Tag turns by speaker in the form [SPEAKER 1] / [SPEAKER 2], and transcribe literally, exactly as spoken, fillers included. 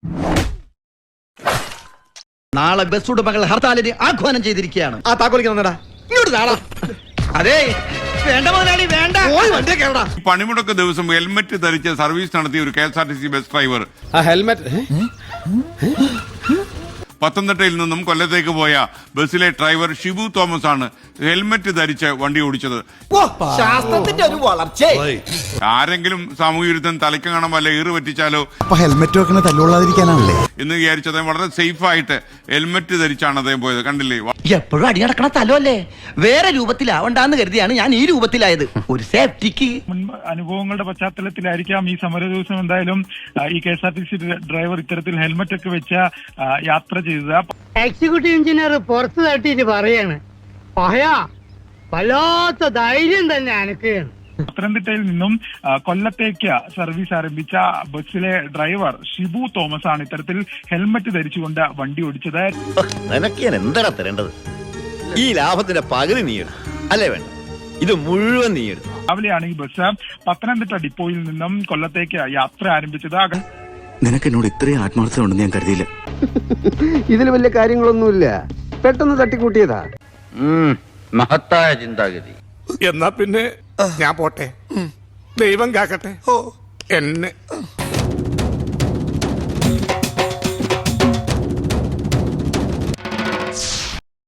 [SPEAKER 1] നാളെ ബസ് ഉടമകൾ ഹർത്താലിന് ആഹ്വാനം ചെയ്തിരിക്കുകയാണ്.
[SPEAKER 2] ആ താക്കോലിക്കടാ ഇങ്ങോട്ട് നാളാ.
[SPEAKER 1] അതെ വേണ്ട മുതലാളി വേണ്ട.
[SPEAKER 3] പണിമുടക്ക് ദിവസം ഹെൽമറ്റ് ധരിച്ച് സർവീസ് നടത്തിയ ഒരു K S R T C bus driver
[SPEAKER 2] helmet
[SPEAKER 3] പത്തനംതിട്ടയിൽ നിന്നും കൊല്ലത്തേക്ക് പോയ ബസ്സിലെ ഡ്രൈവർ ഷിബു തോമസ് ആണ് ഹെൽമറ്റ് ധരിച്ച് വണ്ടി ഓടിച്ചത്.
[SPEAKER 1] ശാസ്ത്രത്തിന്റെ ഒരു വളർച്ച.
[SPEAKER 3] ആരെങ്കിലും സാമൂഹ്യ വിരുദ്ധം തലയ്ക്ക് കാണാൻ വല്ല ഈറ് പറ്റിച്ചാലോ
[SPEAKER 4] ഹെൽമെറ്റ് വെക്കണ തല്ലുകൊള്ളാതിരിക്കാനാണല്ലേ
[SPEAKER 3] എന്ന് വിചാരിച്ച് അദ്ദേഹം വളരെ സേഫ് ആയിട്ട് ഹെൽമറ്റ് ധരിച്ചാണ് അദ്ദേഹം പോയത്. കണ്ടില്ലേ,
[SPEAKER 1] എപ്പോഴും അടി നടക്കണ തലമല്ലേ, വേറെ രൂപത്തിലാവണ്ടെന്ന് കരുതിയാണ് ഞാൻ ഈ രൂപത്തിലായത്. ഒരു സേഫ്റ്റിക്ക്.
[SPEAKER 5] മുൻ അനുഭവങ്ങളുടെ പശ്ചാത്തലത്തിലായിരിക്കാം ഈ സമര ദിവസം എന്തായാലും ഈ K S R T C driver ഇത്തരത്തിൽ ഹെൽമറ്റ് ഒക്കെ വെച്ച യാത്ര ചെയ്തത്.
[SPEAKER 6] എക്സിക്യൂട്ടീവ് എഞ്ചിനീയർ പുറത്ത് തട്ടിട്ട് പറയാണ്, പഹയാ വല്ലാത്ത ധൈര്യം തന്നെ അനക്കുകയാണ്.
[SPEAKER 5] പത്തനംതിട്ടയിൽ നിന്നും കൊല്ലത്തേക്ക് സർവീസ് ആരംഭിച്ച ബസ്സിലെ ഡ്രൈവർ ഷിബു തോമസ് ആണ് ഇത്തരത്തിൽ ഹെൽമറ്റ് ധരിച്ചുകൊണ്ട് വണ്ടി ഓടിച്ചത്.
[SPEAKER 7] നിനക്ക് ഞാൻ എന്താ തരേണ്ടത്? ഈ ലാഭത്തിന്റെ പകുതി നീ എടുത്തു അല്ലേ? വേണ്ട, ഇത് മുഴുവൻ നീ എടുത്തു.
[SPEAKER 5] രാവിലെയാണ് ഈ ബസ് പത്തനംതിട്ട ഡിപ്പോയിൽ നിന്നും കൊല്ലത്തേക്ക് യാത്ര ആരംഭിച്ചത്.
[SPEAKER 4] നിനക്ക് എന്നോട് ഇത്രയും ആത്മാർത്ഥത ഉണ്ടെന്ന് ഞാൻ കരുതിയില്ല.
[SPEAKER 2] ഇതിൽ വലിയ കാര്യങ്ങളൊന്നുമില്ല, പെട്ടെന്ന് തട്ടിക്കൂട്ടിയതാ.
[SPEAKER 7] മഹത്തായ ചിന്താഗതി.
[SPEAKER 2] എന്നാ പിന്നെ ഞാൻ പോട്ടെ, ദൈവം കാക്കട്ടെ എന്നെ.